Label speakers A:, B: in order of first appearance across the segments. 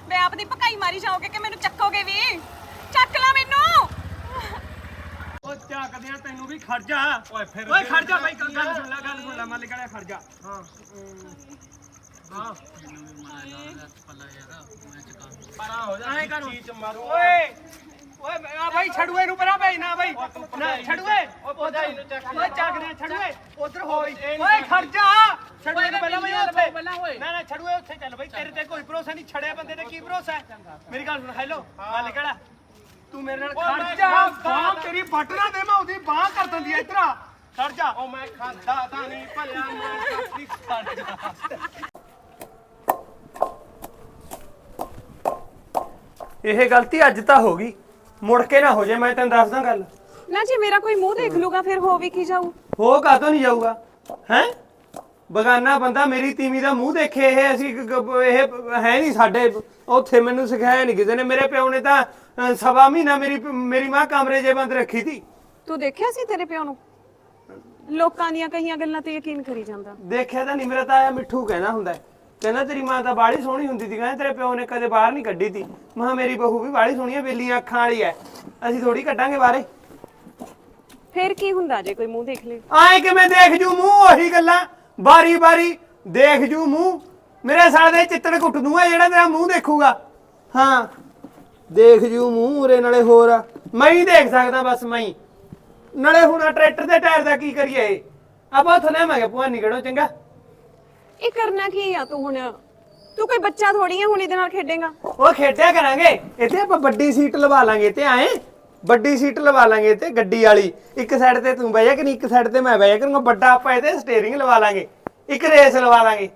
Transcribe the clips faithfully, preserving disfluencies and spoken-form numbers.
A: मैं आपदी भकाई मारी जाओगे कि मैनू चकोगे भी चक ला मैनू
B: ओ ਚੱਕਦੇ ਆ ਤੈਨੂੰ ਵੀ ਖੜ ਜਾ ਓਏ ਫਿਰ ਓਏ ਖੜ ਜਾ ਬਾਈ ਗੱਲ ਸੁਣ ਲੈ ਗੱਲ ਸੁਣ ਲੈ ਮੱਲ ਗੜਿਆ ਖੜ ਜਾ ਹਾਂ ਹਾਂ ਮੈਨੂੰ ਵੀ ਮਾਰਾ ਦਾ ਪੱਲਾ ਯਾਰ ਮੈਂ ਚਕਾ ਪਰਾ ਹੋ ਜਾ ਐਂ ਕਰ ਚੀਚ ਮਾਰੂ ਓਏ ਓਏ ਆ ਬਾਈ ਛੜੂਏ ਨੂੰ ਪਰਾਂ ਭੇਜ ਨਾ ਬਾਈ ਨਾ ਛੜੂਏ ਓ ਪੋਦਾਈ ਨੂੰ ਚੱਕ ਓਏ ਚੱਕ ਦੇ ਛੜੂਏ ਉਧਰ ਹੋਈ ਓਏ ਖੜ ਜਾ ਛੜੂਏ ਨੂੰ ਪਹਿਲਾਂ ਮੈਂ ਉੱਥੇ ਨਾ ਨਾ ਛੜੂਏ ਉੱਥੇ ਚੱਲ ਬਾਈ ਤੇਰੇ ਤੇ ਕੋਈ ਭਰੋਸਾ ਨਹੀਂ ਛੜਿਆ ਬੰਦੇ ਤੇ ਕੀ ਭਰੋਸਾ ਮੇਰੀ ਗੱਲ ਸੁਣ ਹੈਲੋ ਮੱਲ ਗੜਾ ਤੂੰ ਮੇਰੇ ਨਾਲ ਖੜ ਜਾ ਬਾਹ ਤੇਰੀ ਵੱਟ ਨਾ ਦੇ ਮੈਂ ਉਹਦੀ ਬਾਹ ਕਰ ਦਿੰਦੀ ਐ ਇਧਰ ਖੜ ਜਾ ਓ ਮੈਂ ਖਾਂਦਾ ਤਾਂ ਨਹੀਂ ਭਲਿਆ ਮੈਂ ਕੱਪੀ ਖੜ ਜਾ ਇਹ ਗਲਤੀ ਅੱਜ ਤਾਂ ਹੋ ਗਈ ਮੁੜ ਕੇ ਨਾ ਹੋ ਜੇ ਮੈਂ ਤੈਨੂੰ ਦੱਸਦਾ ਗੱਲ
A: ना जी मेरा कोई मुंह देख लूगा फिर हो भी की जाऊ
B: ਹੋ ਕਾਤੋਂ ਨਹੀਂ ਜਾਊਗਾ ਹੈ ਬਗਾਨਾ ਬੰਦਾ ਮੇਰੀ ਤੀਵੀਂ ਦਾ ਮੂੰਹ ਦੇਖੇ ਇਹ ਅਸੀਂ ਇਹ ਹੈ ਨਹੀਂ ਸਾਡੇ ਉੱਥੇ ਮੈਨੂੰ ਸਿਖਾਇਆ ਨਹੀਂ ਕਿਸੇ ਨੇ ਮੇਰੇ ਪਿਓ ਨੇ ਤਾਂ ਸਵਾ ਮਹੀਨਾ ਮੇਰੀ ਮੇਰੀ ਮਾਂ ਕਮਰੇ 'ਚ ਬੰਦ ਰੱਖੀ ਸੀ
A: ਤੂੰ ਦੇਖਿਆ ਸੀ ਤੇਰੇ ਪਿਓ ਨੂੰ ਲੋਕਾਂ ਦੀਆਂ ਕਈਆਂ ਗੱਲਾਂ ਤੇ ਯਕੀਨ ਕਰੀ ਜਾਂਦਾ
B: ਦੇਖਿਆ ਤਾਂ ਨਹੀਂ ਮੇਰਾ ਤਾਂ ਆਇਆ ਮਿੱਠੂ ਕਹਿੰਦਾ ਹੁੰਦਾ ਕਹਿੰਦਾ ਤੇਰੀ ਮਾਂ ਤਾਂ ਬਾੜੀ ਸੋਹਣੀ ਹੁੰਦੀ ਸੀ ਕਹਿੰਦਾ ਤੇਰੇ ਪਿਓ ਨੇ ਕਦੇ ਬਾਹਰ ਨਹੀਂ ਕੱਢੀ ਤੀ ਮਾਂ ਮੇਰੀ ਬਹੂ ਵੀ ਬਾੜੀ ਸੋਹਣੀ ਹੈ ਬੇਲੀਆਂ ਅੱਖਾਂ ਵਾਲੀ ਹੈ ਅਸੀਂ ਥੋੜੀ ਕੱਢਾਂਗੇ ਬਾਹਰੇ
A: ਫਿਰ ਕੀ ਹੁੰਦਾ ਜੇ ਕੋਈ ਮੂੰਹ ਦੇਖ ਲੇ
B: ਆਏ ਕਿਵੇਂ ਦੇਖ ਜੂ ਮੂੰਹ ਉਹੀ ਗੱਲਾਂ ਬਾਰੀ ਬਾਰੀ ਦੇਖ ਜੂ ਮੂੰਹ ਮੇਰੇ ਸਾਲੇ ਦੇ ਚਿੱਤੜ ਕੁੱਟ ਦੂੰਗਾ ਜਿਹੜਾ ਤੇਰਾ ਮੂੰਹ ਦੇਖੂਗਾ ਹਾਂ ਦੇਖ ਜੂ ਮੂੰਹ ਉਰੇ ਨਾਲੇ ਹੋਰ ਮੈਂ ਹੀ ਦੇਖ ਸਕਦਾ ਬਸ ਮੈਂ ਹੀ ਨਾਲੇ ਹੁਣ ਟਰੈਕਟਰ ਦੇ ਟਾਇਰ ਦਾ ਕੀ ਕਰੀਏ ਆਪਾਂ ਉੱਥੋਂ ਲਿਆਵਾਂਗੇ ਭਵਾਨੀ ਕਿਹੜੋ ਚੰਗਾ
A: ਇਹ ਕਰਨਾ ਕੀ ਆ ਤੂੰ ਹੁਣ ਤੂੰ ਕੋਈ ਬੱਚਾ ਥੋੜੀ ਆ ਹੁਣ ਇਹਦੇ ਨਾਲ ਖੇਡੇਗਾ
B: ਉਹ ਖੇਡਿਆ ਕਰਾਂਗੇ ਇੱਥੇ ਆਪਾਂ ਵੱਡੀ ਸੀਟ ਲਵਾ ਲਾਂਗੇ ਤੇ ਆਏ ਵੱਡੀ ਸੀਟ ਲਵਾ ਲਾਂਗੇ ਤੇ ਗੱਡੀ ਵਾਲੀ ਇੱਕ ਸਾਈਡ ਤੇ ਤੂੰ ਬਹਿ ਜਾ ਕਿ ਇੱਕ ਸਾਈਡ ਤੇ ਮੈਂ ਬਹਿ ਜਾ ਕਰੂੰਗਾ ਵੱਡਾ ਆਪਾਂ ਇਹਦੇ ਸਟੀਅਰਿੰਗ ਲਵਾ ਲਾਂਗੇ ਇੱਕ ਰੇਸ ਲਵਾ ਲਾਂਗੇ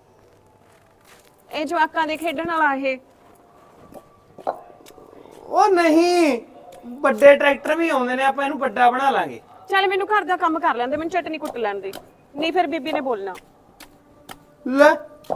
A: ਇਹ ਜਵਾਕਾਂ ਦੇ ਖੇਡਣ ਵਾਲਾ ਇਹ
B: ਉਹ ਨਹੀਂ ਵੱਡੇ ਟਰੈਕਟਰ ਵੀ ਆਉਂਦੇ ਨੇ ਆਪਾਂ ਇਹਨੂੰ ਵੱਡਾ ਬਣਾ ਲਾਂਗੇ
A: ਚੱਲ ਮੈਨੂੰ ਘਰ ਦਾ ਕੰਮ ਕਰ ਲੈਂਦੇ ਮੈਨੂੰ ਚਟਨੀ ਕੁੱਟ ਲੈਣ ਦੇ ਨਹੀਂ ਫਿਰ ਬੀਬੀ ਨੇ ਬੋਲਣਾ
B: ਲੈ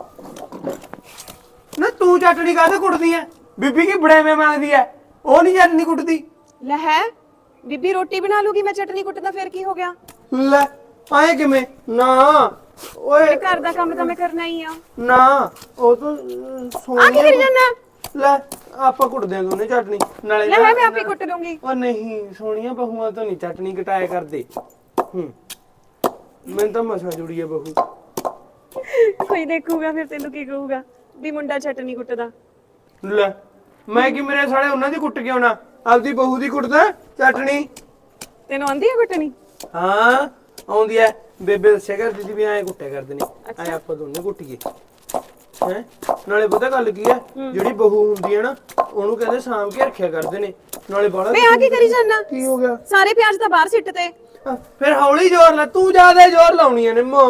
B: ਨਾ ਤੂੰ ਚਟਣੀ ਕਾਹਦੇ ਕੁੱਟਦੀ ਐ ਬੀਬੀ ਕੀ ਬੜੇਵੇਂ ਮੰਗਦੀ ਐ ਉਹ ਨਹੀਂ ਚਟਣੀ ਕੁੱਟਦੀ
A: ਲੈ ਹੈ ਬੀਬੀ ਰੋਟੀ ਬਣਾ ਲੂਗੀ ਮੈਂ ਚਟਨੀ ਕੁੱਟਦਾ ਫਿਰ ਕੀ ਹੋ ਗਿਆ
B: ਲੈ ਆਏ ਕਿਵੇਂ ਨਾ ਓਏ
A: ਘਰ ਦਾ ਕੰਮ ਤਾਂ ਮੈਂ ਕਰਨਾ ਹੀ ਆ
B: ਨਾ ਉਹ ਤਾਂ
A: ਆ ਕੀ ਕਰੀ ਜਾਂਦਾ
B: ਲੈ ਆਪਾਂ ਕੁੱਟਦੇ ਆਂ ਦੋਨੇ ਚਟਣੀ ਨਾਲੇ
A: ਲੈ ਮੈਂ ਆਪੇ ਕੁੱਟ ਦੂੰਗੀ
B: ਉਹ ਨਹੀਂ ਸੋਹਣੀਆਂ ਬਹੂਆਂ ਤੋਂ ਨਹੀਂ ਚਟਣੀ ਕਟਾਇਆ ਕਰਦੇ ਹੂੰ ਮੈਨੂੰ ਤਾਂ ਮਸਾ ਜੁੜੀ ਐ ਬਹੂ
A: ਕੋਈ ਦੇਖੂਗਾ ਫਿਰ ਤੈਨੂੰ ਕੀ ਕਹੂਗਾ ਵੀ ਮੁੰਡਾ ਚਟਨੀ ਕੁੱਟਦਾ
B: ਲੈ ਮੈਂ ਕਿ ਮੇਰੇ ਸਾਲੇ ਉਹਨਾਂ ਦੀ ਕੁੱਟ ਕੇ ਆਉਣਾ ਆਪਦੀ ਬਹੂ ਦੀ ਕੁੱਟਦਾ ਚਟਣੀ
A: ਤੈਨੂੰ ਆਂਦੀ ਹੈ ਕੁੱਟਣੀ
B: ਹਾਂ ਆਉਂਦੀ ਐ ਬੇਬੇ ਦੱਸਿਆ ਕਰਦੀ ਸੀ ਵੀ ਐਂ ਕੁੱਟਿਆ ਕਰਦੇ ਨੇ ਐ ਆਪਾਂ ਦੋਨੇ ਕੁੱਟੀਏ ਹੈ ਨਾਲੇ ਪਤਾ ਗੱਲ ਕੀ ਐ ਜਿਹੜੀ ਬਹੂ ਹੁੰਦੀ ਐ ਨਾ ਉਹਨੂੰ ਕਹਿੰਦੇ ਸਾਂਭ ਕੇ ਰੱਖਿਆ ਕਰਦੇ ਨੇ ਨਾਲੇ ਬਾਲਾ
A: ਵੇ ਆ ਕੀ ਕਰੀ ਜਾਂਦਾ
B: ਕੀ ਹੋ ਗਿਆ
A: ਸਾਰੇ ਪਿਆਜ਼ ਤਾਂ ਬਾਹਰ ਸਿੱਟ ਤੇ
B: ਫਿਰ ਹੌਲੀ ਜ਼ੋਰ ਲਾ ਤੂੰ ਜ਼ਿਆਦਾ ਜ਼ੋਰ ਲਾਉਣੀ ਐ ਨਿੰਮੋ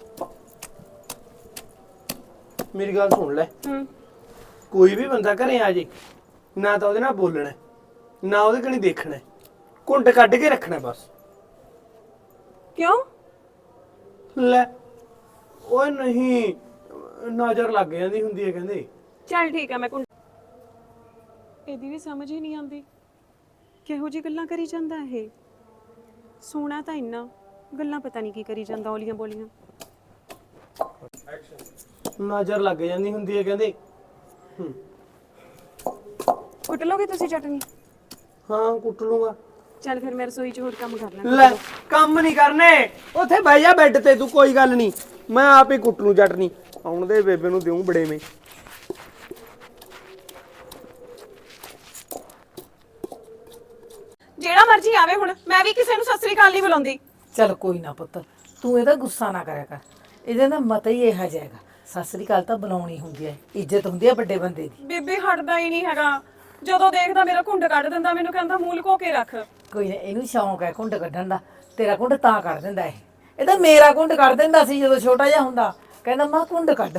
B: ਮੇਰੀ ਗੱਲ ਸੁਣ ਲੈ
A: ਹੂੰ
B: ਕੋਈ ਵੀ ਬੰਦਾ ਘਰੇ ਆ ਜੇ ਨਾ ਤਾਂ ਉਹਦੇ ਨਾਲ ਬੋਲਣਾ ਨਾ ਉਹਦੇ ਕਣੀ ਦੇਖਣਾ ਘੁੰਡ ਕੱਢ ਕੇ ਰੱਖਣਾ ਬਸ
A: ਕਿਉਂ
B: ਲੈ ਓਏ ਨਹੀਂ ਨਜ਼ਰ ਲੱਗ ਜਾਂਦੀ ਹੁੰਦੀ ਹੈ ਕਹਿੰਦੇ
A: ਚੱਲ ਠੀਕ ਆ ਮੈਂ ਕੁੰਡ ਇਹਦੀ ਵੀ ਸਮਝ ਹੀ ਨਹੀਂ ਆਉਂਦੀ ਕਿਹੋ ਜੀ ਗੱਲਾਂ ਕਰੀ ਜਾਂਦਾ ਇਹ ਸੋਹਣਾ ਤਾਂ ਇੰਨਾ ਗੱਲਾਂ ਪਤਾ ਨਹੀਂ ਕੀ ਕਰੀ ਜਾਂਦਾ ਔਲੀਆਂ ਬੋਲੀਆਂ
B: ਨਜ਼ਰ ਲੱਗ ਜਾਂਦੀ ਹੁੰਦੀ ਹੈ ਕਹਿੰਦੇ ਹੂੰ
A: ਕੁੱਟ ਲੋਗੇ ਤੁਸੀਂ ਚਟਨੀ
B: ਹਾਂ ਕੁੱਟ ਲੂੰਗਾ
A: ਚੱਲ ਫਿਰ ਮੈਂ ਰਸੋਈ 'ਚ ਹੋਰ ਕੰਮ ਕਰ ਲੈਂਦਾ
B: ਲੈ ਕੰਮ ਨਹੀਂ ਕਰਨੇ ਉੱਥੇ ਬਹਿ ਜਾ ਬੈੱਡ ਤੇ ਤੂੰ ਕੋਈ ਗੱਲ ਨਹੀਂ ਮੈਂ ਆਪ ਹੀ ਕੁੱਟ ਲੂੰ ਚਟਨੀ ਆਉਣ ਦੇ ਬੇਬੇ ਨੂੰ ਦਿਉਂ ਬੜੇਵੇਂ
A: ਜਿਹੜਾ ਮਰਜ਼ੀ ਆਵੇ ਹੁਣ ਮੈਂ ਵੀ ਕਿਸੇ ਨੂੰ ਸਤਿ ਸ੍ਰੀ ਅਕਾਲ ਨਹੀਂ ਬੁਲਾਉਂਦੀ
C: ਚਲ ਕੋਈ ਨਾ ਪੁੱਤ ਤੂੰ ਇਹਦਾ ਗੁੱਸਾ ਨਾ ਕਰਿਆ ਕਰ ਇਹਦੇ ਦਾ ਮਤਾ ਹੀ ਇਹੋ ਜਿਹਾ ਹੈਗਾ ਸਤਿ ਸ੍ਰੀ ਅਕਾਲ ਤਾਂ ਬੁਲਾਉਣੀ ਹੁੰਦੀ ਹੈ ਇੱਜ਼ਤ ਹੁੰਦੀ ਹੈ ਵੱਡੇ ਬੰਦੇ ਦੀ
A: ਬੀਬੀ ਹਟਦਾ ਹੀ ਨਹੀਂ ਹੈਗਾ ਜਦੋਂ ਦੇਖਦਾ ਮੇਰਾ ਘੁੰਡ ਕੱਢ ਦਿੰਦਾ ਮੈਨੂੰ ਕਹਿੰਦਾ ਮੂੰਹ ਲੁਕੋ ਕੇ ਰੱਖ
C: ਕੋਈ ਨਾ ਇਹਨੂੰ ਸ਼ੌਂਕ ਹੈ ਘੁੰਡ ਕੱਢਣ ਦਾ ਤੇਰਾ ਘੁੰਡ ਤਾਂ ਕੱਢ ਦਿੰਦਾ ਇਹ ਇਹ ਤਾਂ ਮੇਰਾ ਘੁੰਡ ਕੱਢ ਦਿੰਦਾ ਸੀ ਜਦੋਂ ਛੋਟਾ ਜਿਹਾ ਹੁੰਦਾ ਕਹਿੰਦਾ ਮਾਂ ਘੁੰਡ ਕੱਢ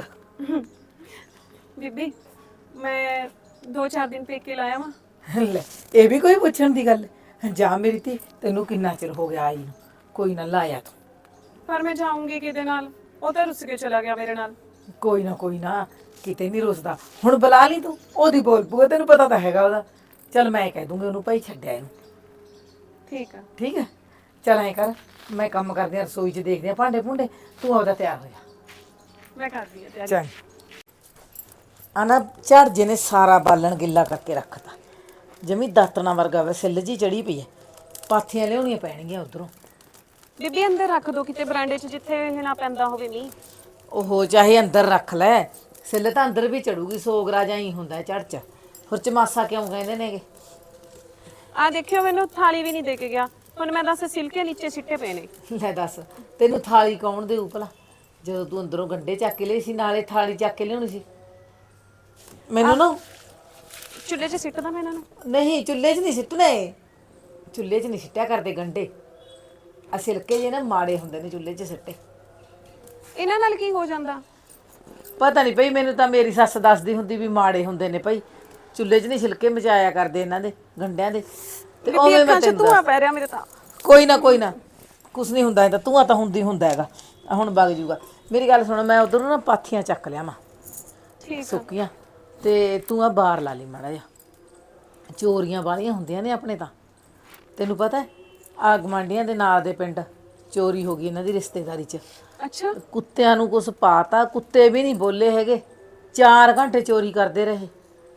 A: ਬੀਬੀ ਮੈਂ ਦੋ ਚਾਰ ਦਿਨ ਪੇਕੇ ਲਾਇਆ ਵਾਂ
C: ਲੈ ਇਹ ਵੀ ਕੋਈ ਪੁੱਛਣ ਦੀ ਗੱਲ ਜਾ ਮੇਰੀ ਧੀ ਤੈਨੂੰ ਕਿੰਨਾ ਚਿਰ ਹੋ ਗਿਆ ਆਈ ਨੂੰ ਕੋਈ ਨਾ ਲਾਇਆ ਤੂੰ
A: ਪਰ ਮੈਂ ਜਾਊਂਗੀ ਕਿਹਦੇ ਨਾਲ ਉਹ ਤਾਂ ਰੁੱਸ ਕੇ ਚਲਾ ਗਿਆ ਮੇਰੇ ਨਾਲ
C: ਕੋਈ ਨਾ ਕੋਈ ਨਾ ਕਿਤੇ ਨਹੀਂ ਰੁੱਸਦਾ ਹੁਣ ਬੁਲਾ ਲਈ ਤੂੰ ਉਹਦੀ ਬੋਲ ਪੂਗਾ ਤੈਨੂੰ ਪਤਾ ਤਾਂ ਹੈਗਾ ਉਹਦਾ ਚੱਲ ਮੈਂ ਕਹਿ ਦੂੰਗੀ ਉਹਨੂੰ ਭਾਈ ਛੱਡਿਆ ਇਹਨੂੰ
A: ਠੀਕ ਆ
C: ਠੀਕ ਹੈ ਚੱਲ ਐ ਕਰ ਮੈਂ ਕੰਮ ਕਰਦੀ ਆ ਰਸੋਈ 'ਚ ਦੇਖਦੇ ਆ ਭਾਂਡੇ ਭੁੰਡੇ ਤੂੰ ਆਪਦਾ ਤਿਆਰ ਹੋ ਜਾ
A: ਮੈਂ ਕਰਦੀ ਆ ਤਿਆਰੀ
C: ਚੱਲ ਆ ਨਾ ਝਾੜਜੇ ਨੇ ਸਾਰਾ ਬਾਲਣ ਗਿੱਲਾ ਕਰਕੇ ਰੱਖਤਾ, ਜਮੀ ਦਾਤਣਾ ਵਰਗਾ ਵਾ, ਸਿੱਲ ਜੀ ਚੜੀ ਪਈ ਹੈ। ਪਾਥੀਆਂ ਲਿਆਉਣੀਆਂ ਪੈਣਗੀਆਂ ਉਧਰੋਂ।
A: ਬੀਬੀ ਅੰਦਰ ਰੱਖ ਦੋ ਕਿਤੇ ਬਰਾਂਡੇ 'ਚ, ਜਿੱਥੇ ਨਾ ਪੈਂਦਾ ਹੋਵੇ ਮੀਂਹ।
C: ਉਹ ਚਾਹੇ ਅੰਦਰ ਰੱਖ ਲੈ, ਸਿੱਲ ਤਾਂ ਅੰਦਰ ਵੀ ਚੜੂਗੀ, ਸੋਗਰਾ ਜਾਂ ਹੀ ਹੁੰਦਾ ਝੜ ਚ। ਹੋਰ ਚਮਾਸਾ ਕਿਉਂ ਕਹਿੰਦੇ ਨੇਗੇ?
A: ਆ ਦੇਖਿਓ, ਮੈਨੂੰ ਥਾਲੀ ਵੀ ਨਹੀਂ ਦੇ ਕੇ ਗਿਆ। ਹੁਣ ਮੈਂ ਦੱਸ ਸਿਲਕੇ ਨੀਚੇ ਸਿੱਟੇ ਪਏ ਨੇ।
C: ਲੈ ਦੱਸ, ਤੈਨੂੰ ਥਾਲੀ ਕੌਣ ਦੇਊ ਭਲਾ? ਜਦੋਂ ਤੂੰ ਅੰਦਰੋਂ ਗੰਡੇ ਚੱਕ ਕੇ ਲਈ ਸੀ, ਨਾਲੇ ਥਾਲੀ ਚੱਕ ਕੇ ਲਿਆਉਣੀ ਸੀ। ਮੈਨੂੰ ਨਾ
A: ਚੁੱਲ੍ਹੇ 'ਚ ਸਿੱਟਦਾ ਮੈਂ ਇਹਨਾਂ ਨੂੰ।
C: ਨਹੀਂ, ਚੁੱਲ੍ਹੇ 'ਚ ਨਹੀਂ ਸਿੱਟਣੇ, ਚੁੱਲ੍ਹੇ 'ਚ ਨਹੀਂ ਸਿੱਟਿਆ ਕਰਦੇ ਗੰਡੇ। ਆ ਸਿਲਕੇ ਜੇ ਨਾ ਮਾੜੇ ਹੁੰਦੇ ਨੇ ਚੁੱਲ੍ਹੇ 'ਚ ਸਿੱਟੇ।
A: ਇਹਨਾਂ ਨਾਲ ਕੀ ਹੋ ਜਾਂਦਾ?
C: ਪਤਾ ਨਹੀਂ ਭਈ, ਮੈਨੂੰ ਤਾਂ ਮੇਰੀ ਸੱਸ ਦੱਸਦੀ ਹੁੰਦੀ ਵੀ ਮਾੜੇ ਹੁੰਦੇ ਨੇ ਭਈ, ਚੁੱਲ੍ਹੇ 'ਚ ਨਹੀਂ ਛਿਲਕੇ ਮਚਾਇਆ ਕਰਦੇ ਇਹਨਾਂ ਦੇ, ਗੰਡਿਆਂ ਦੇ। ਤੇ
A: ਬੀਬੀ
C: ਉਵੇਂ ਮੈਂ
A: ਅੱਖਾਂ 'ਚ
C: ਤੈਨੂੰ
A: ਧੂਆ ਪੈ ਰਿਹਾ ਮੇਰੇ ਤਾਂ।
C: ਕੋਈ ਨਾ ਕੋਈ ਨਾ, ਕੁਛ ਨਹੀਂ ਹੁੰਦਾ, ਇਹਦਾ ਧੂੰਆਂ ਤਾਂ ਹੁੰਦੀ ਹੁੰਦਾ ਹੈਗਾ। ਆਹ ਹੁਣ ਵਗ ਜੂਗਾ। ਮੇਰੀ ਗੱਲ ਸੁਣ, ਮੈਂ ਉਧਰੋਂ ਨਾ ਪਾਥੀਆਂ ਚੱਕ ਲਿਆ ਮਾਂ
A: ਠੀਕ ਆ।
C: ਸੁੱਕੀਆਂ, ਤੇ ਤੂੰ ਆ ਬਾਹਰ ਲਾ ਲਈ ਮਾੜਾ ਜਿਹਾ। ਚੋਰੀਆਂ ਵਾਲੀਆਂ ਹੁੰਦੀਆਂ ਨੇ ਆਪਣੇ ਤਾਂ, ਤੈਨੂੰ ਪਤਾ ਹੈ। ਆ ਗਵਾਂਢੀਆਂ ਦੇ ਨਾਲ ਦੇ ਪਿੰਡ ਚੋਰੀ ਹੋ ਗਈ ਇਹਨਾਂ ਦੀ ਰਿਸ਼ਤੇਦਾਰੀ 'ਚ।
A: ਅੱਛਾ,
C: ਕੁੱਤਿਆਂ ਨੂੰ ਕੁਛ ਪਾਤਾ, ਕੁੱਤੇ ਵੀ ਨਹੀਂ ਬੋਲੇ ਹੈਗੇ, ਚਾਰ ਘੰਟੇ ਚੋਰੀ ਕਰਦੇ ਰਹੇ।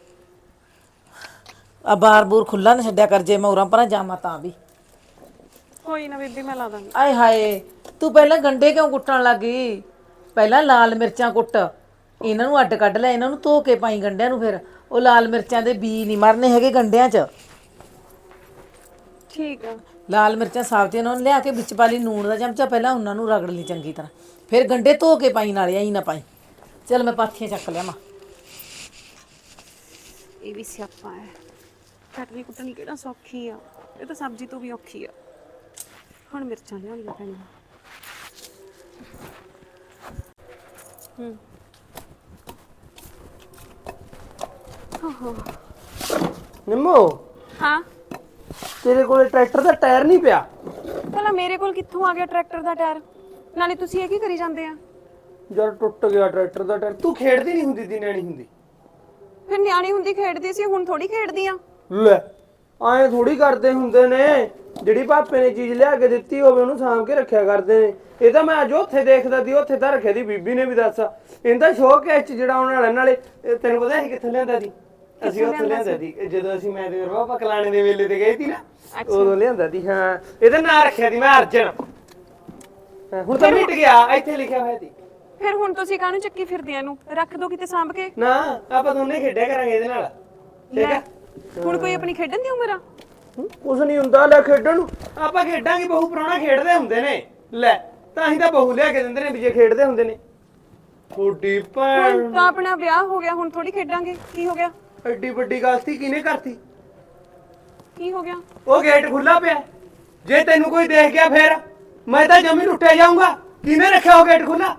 C: ਆ ਬਾਰ ਬੂਰ ਖੁੱਲਾ ਨਾ ਛੱਡਿਆ ਕਰ, ਜੇ ਮੈਂ ਉਰਾਂ ਪਰਾਂ ਜਾਵਾਂ ਤਾਂ ਵੀ।
A: ਕੋਈ ਨਾ ਬੀਬੀ, ਮੈਂ ਲਾ ਦਾਂਗੀ।
C: ਆਏ ਹਾਏ, ਤੂੰ ਪਹਿਲਾਂ ਗੰਡੇ ਕਿਉਂ ਕੁੱਟਣ ਲੱਗੀ? ਪਹਿਲਾਂ ਲਾਲ ਮਿਰਚਾਂ ਕੁੱਟ, ਇਹਨਾਂ ਨੂੰ ਅੱਡ ਕੱਢ ਲੈ, ਇਹਨਾਂ ਨੂੰ ਧੋ ਕੇ ਪਾਈ ਗੰਡਿਆਂ ਨੂੰ। ਫਿਰ ਉਹ ਲਾਲ ਮਿਰਚਾਂ ਦੇ ਬੀ ਨਹੀਂ ਮਰਨੇ ਹੈਗੇ ਗੰਡਿਆਂ 'ਚ।
A: ਠੀਕ ਆ।
C: ਲਾਲ ਮਿਰਚਾਂ ਸਾਬਤੀਆਂ ਉਹਨਾਂ ਨੂੰ ਲਿਆ ਕੇ ਵਿੱਚ ਪਾ ਲਈ, ਨੂਣ ਦਾ ਚਮਚਾ, ਪਹਿਲਾਂ ਉਹਨਾਂ ਨੂੰ ਰਗੜ ਲਈ ਚੰਗੀ ਤਰ੍ਹਾਂ, ਫਿਰ ਗੰਡੇ ਧੋ ਕੇ ਪਾਈ, ਨਾਲੇ ਆਈ ਨਾ ਪਾਈ। ਚੱਲ ਮੈਂ ਪਾਥੀਆਂ ਚੱਕ ਲਿਆ ਮਾਂ।
A: ਇਹ ਵੀ ਸਿਆਪਾ ਹੈ, ਕੱਟਣੀ ਕੁੱਟਣੀ ਕਿਹੜਾ ਸੌਖੀ ਆ, ਇਹ ਤਾਂ ਸਬਜ਼ੀ ਤੋਂ ਵੀ ਔਖੀ ਆ। ਹੁਣ ਮਿਰਚਾਂ ਲਿਆਉਣੀਆਂ ਪੈਣੀਆਂ। ਹੂੰ
B: ਨਿੰਮੋ,
A: ਹਾਂ,
B: ਤੇਰੇ ਕੋਲੇ ਟਰੈਕਟਰ ਦਾ ਟਾਇਰ ਨਹੀਂ ਪਿਆ?
A: ਭਲਾ ਮੇਰੇ ਕੋਲ ਕਿੱਥੋਂ ਆ ਗਿਆ ਟਰੈਕਟਰ ਦਾ ਟਾਇਰ? ਨਾਲੇ ਤੁਸੀਂ ਇਹ ਕੀ ਕਰੀ ਜਾਂਦੇ ਆ?
B: ਯਾਰ ਟੁੱਟ ਗਿਆ ਟਰੈਕਟਰ ਦਾ ਟਾਇਰ। ਤੂੰ ਖੇਡਦੀ ਨਹੀਂ ਹੁੰਦੀ ਦੀ ਨਿਆਣੀ ਹੁੰਦੀ?
A: ਫਿਰ ਨਿਆਣੀ ਹੁੰਦੀ ਖੇਡਦੀ ਸੀ, ਹੁਣ ਥੋੜੀ ਖੇਡਦੀ ਆ।
B: ਲੈ, ਐਂ ਥੋੜੀ ਕਰਦੇ ਹੁੰਦੇ ਨੇ। ਜਿਹੜੀ ਪਾਪੇ ਨੇ ਚੀਜ਼ ਲਿਆ ਕੇ ਦਿੱਤੀ ਹੋਵੇ ਉਹਨੂੰ ਸਾਂਭ ਕੇ ਰੱਖਿਆ ਕਰਦੇ ਨੇ। ਇਹ ਤਾਂ ਮੈਂ ਅੱਜ ਉੱਥੇ ਦੇਖਦਾ ਸੀ, ਉੱਥੇ ਤਾਂ ਰੱਖਿਆ ਦੀ ਬੀਬੀ ਨੇ ਵੀ। ਦੱਸ, ਇਹਦਾ ਸ਼ੌਕ ਹੈ ਚ ਜਿਹੜਾ ਆਉਣ ਵਾਲਾ। ਨਾਲੇ ਤੈਨੂੰ ਪਤਾ ਸੀ ਕਿੱਥੇ ਲਿਆਂਦਾ ਸੀ? ਅਸੀਂ ਉੱਥੇ ਲਿਆਂਦਾ ਸੀ ਜਦੋਂ ਅਸੀਂ ਮੈਂ ਤੇ ਰੋਪਾ ਕਲਾਣੇ ਦੇ ਵੇਲੇ ਤੇ ਗਏ ਸੀ ਨਾ, ਉਦੋਂ ਲਿਆਂਦਾ ਸੀ। ਹਾਂ, ਇਹਦਾ ਨਾਂ ਰੱਖਿਆ ਸੀ ਮੈਂ ਅਰਜਨ। ਹੁਣ ਤਾਂ ਮਿਟ ਗਿਆ, ਇੱਥੇ ਲਿਖਿਆ ਹੋਇਆ ਸੀ।
A: ਫਿਰ ਹੁਣ ਤੁਸੀਂ ਕਾਹਨੂੰ ਚੱਕੀ ਫਿਰਦੇ ਆ? ਇਹਨੂੰ ਰੱਖ ਦੋ ਕਿਤੇ ਸਾਂਭ ਕੇ।
B: ਨਾ, ਆਪਾਂ ਦੋਨੇ ਖੇਡਿਆ ਕਰਾਂਗੇ ਇਹਦੇ ਨਾਲ, ਠੀਕ ਹੈ?
A: ਹੁਣ ਕੋਈ ਆਪਣੀ ਖੇਡਣ ਦੀ ਉਮਰ ਆ?
B: ਕੁਛ ਨਹੀਂ ਹੁੰਦਾ, ਲੈ ਖੇਡਣ ਨੂੰ ਆਪਾਂ ਖੇਡਾਂਗੇ। ਬਹੂ ਪ੍ਰਾਹੁਣਾ ਖੇਡਦੇ ਹੁੰਦੇ ਨੇ, ਲੈ ਤਾਂ ਹੀ ਤਾਂ ਬਹੂ ਲਿਆ ਕੇ ਦਿੰਦੇ ਨੇ ਵੀ ਜੇ ਖੇਡਦੇ ਹੁੰਦੇ ਨੇ। ਥੋੜੀ ਭੈਣ,
A: ਹੁਣ ਤਾਂ ਆਪਣਾ ਵਿਆਹ ਹੋ ਗਿਆ, ਹੁਣ ਥੋੜੀ ਖੇਡਾਂਗੇ। ਕੀ ਹੋ ਗਿਆ?
B: ਐਡੀ ਵੱਡੀ ਗਲਤੀ ਕਿਹਨੇ ਕਰਤੀ?
A: ਕੀ ਹੋ ਗਿਆ?
B: ਉਹ ਗੇਟ ਖੁੱਲਾ ਪਿਆ, ਜੇ ਤੈਨੂੰ ਕੋਈ ਦੇਖ ਗਿਆ ਫੇਰ ਮੈਂ ਤਾਂ ਜਮੀ ਲੁੱਟਿਆ ਜਾਊਂਗਾ। ਕਿਹਨੇ ਰੱਖਿਆ ਉਹ ਗੇਟ ਖੁੱਲਾ?